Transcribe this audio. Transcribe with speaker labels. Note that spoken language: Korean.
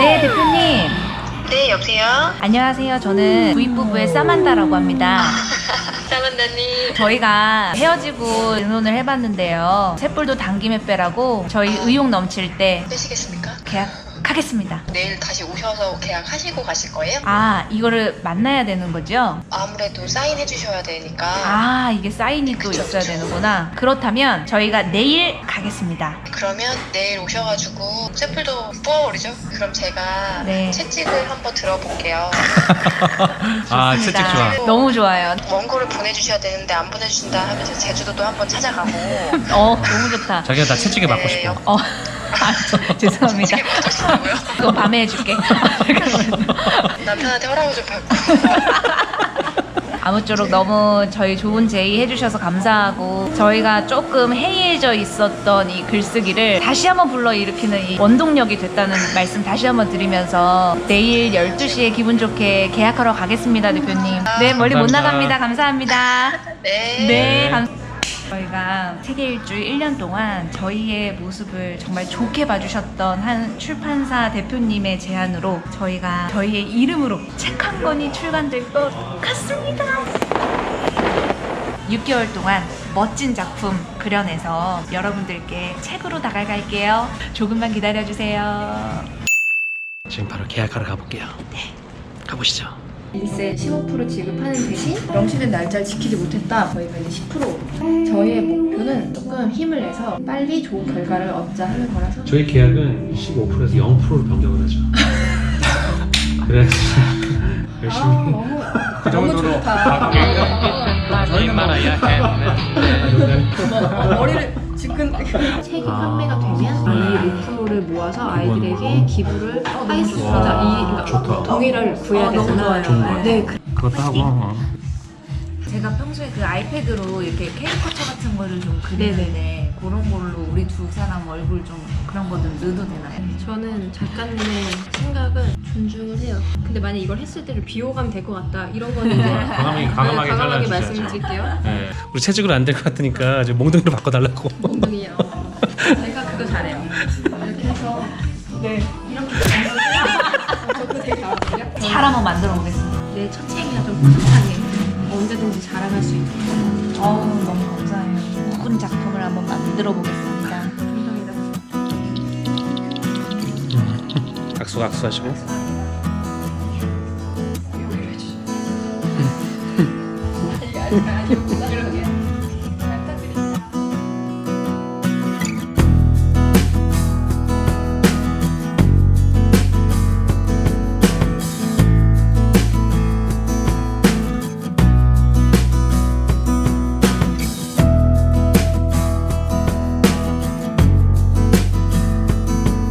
Speaker 1: 네, 대표님.
Speaker 2: 네, 여보세요?
Speaker 1: 안녕하세요. 저는 부인부부의 사만다라고 합니다.
Speaker 2: 사만다님.
Speaker 1: 저희가 헤어지고 의논을 해봤는데요. 셋불도 당김에 빼라고 저희 의욕 넘칠 때
Speaker 2: 빼시겠습니까?
Speaker 1: 계약하겠습니다.
Speaker 2: 내일 다시 오셔서 계약하시고 가실 거예요?
Speaker 1: 아, 이거를 만나야 되는 거죠?
Speaker 2: 아무래도 사인해 주셔야 되니까.
Speaker 1: 아, 이게 사인이 또
Speaker 2: 그쵸,
Speaker 1: 있어야
Speaker 2: 그쵸.
Speaker 1: 되는구나. 그렇다면 저희가 내일 가겠습니다.
Speaker 2: 그러면 내일 오셔가지고 샘플도 뽑아버리죠? 그럼 제가
Speaker 1: 네.
Speaker 2: 채찍을 한번 들어볼게요.
Speaker 3: 아, 채찍 좋아.
Speaker 1: 너무 좋아요.
Speaker 2: 먼 거를 보내주셔야 되는데 안 보내주신다 하면서 제주도도 한번 찾아가고.
Speaker 1: 너무 좋다.
Speaker 3: 자기가 나 채찍에 맞고
Speaker 2: 네,
Speaker 3: 싶어.
Speaker 1: 죄송합니다.
Speaker 2: 채찍에 맞으시고요.
Speaker 1: 그건 밤에 해줄게.
Speaker 2: 남편한테 허락을 좀 받고.
Speaker 1: 아무쪼록 너무 저희 좋은 제의 해주셔서 감사하고, 저희가 조금 해이해져 있었던 이 글쓰기를 다시 한번 불러일으키는 이 원동력이 됐다는 말씀 다시 한번 드리면서 내일 12시에 기분 좋게 계약하러 가겠습니다, 대표님. 네, 멀리 못
Speaker 3: 감사합니다.
Speaker 1: 나갑니다. 감사합니다.
Speaker 2: 네.
Speaker 1: 네. 저희가 세계 일주 1년 동안 저희의 모습을 정말 좋게 봐주셨던 한 출판사 대표님의 제안으로 저희가 저희의 이름으로 책 한 권이 출간될 것 같습니다. 6개월 동안 멋진 작품 그려내서 여러분들께 책으로 다가갈게요. 조금만 기다려주세요.
Speaker 3: 지금 바로 계약하러 가볼게요. 네. 가보시죠.
Speaker 1: 일세 15% 지급하는 대신 명시된 날짜를 지키지 못했다. 저희가 이제 10%. 저희의 목표는 조금 힘을 내서 빨리 좋은 결과를 얻자 하는 거라서.
Speaker 3: 저희 계약은 15%에서 0%로 변경을 하죠. 그래서 열심히
Speaker 1: 너무
Speaker 3: 그 정도로
Speaker 1: 좋다.
Speaker 3: 저희는 말아야 해.
Speaker 1: 머리를 지금 책이 판매가 되면 이 5%를 모아서 아이들에게 기부를 할 수 있다. 그러니까
Speaker 3: 좋다.
Speaker 1: 동의를 구해야 되잖아요.
Speaker 3: 좋은 거야.
Speaker 1: 네.
Speaker 3: 그것도 하고.
Speaker 1: 제가 평소에 그 아이패드로 이렇게 캐리커처 같은 거를 좀 그리는데 그런 걸로 우리 두 사람 얼굴 좀 그런 거 좀 넣어도 되나요?
Speaker 4: 저는 작가님의 생각은 존중을 해요. 근데 만약 이걸 했을 때를 비호감이 될 것 같다. 이런 거는 이제
Speaker 3: 과감하게
Speaker 4: 과감하게
Speaker 3: 잘라주셔야죠.
Speaker 4: 말씀드릴게요.
Speaker 3: 네. 우리 채찍으로 안 될 것 같으니까 이제 몽둥이로 바꿔달라고.
Speaker 4: 엉덩이요. 제가 그거 잘해요. 이렇게 해서
Speaker 1: 네.
Speaker 4: 저도 되게 잘하거든요.
Speaker 1: 잘 한번 만들어 보겠습니다.
Speaker 4: 내 첫 책이나 좀 뿌듯하게 언제든지 자랑할 수 있게.
Speaker 1: 너무 감사해요. 예쁜 작품을 한번 만들어 보겠습니다.
Speaker 4: 감사합니다.
Speaker 3: 악수 하시고.
Speaker 4: 아니,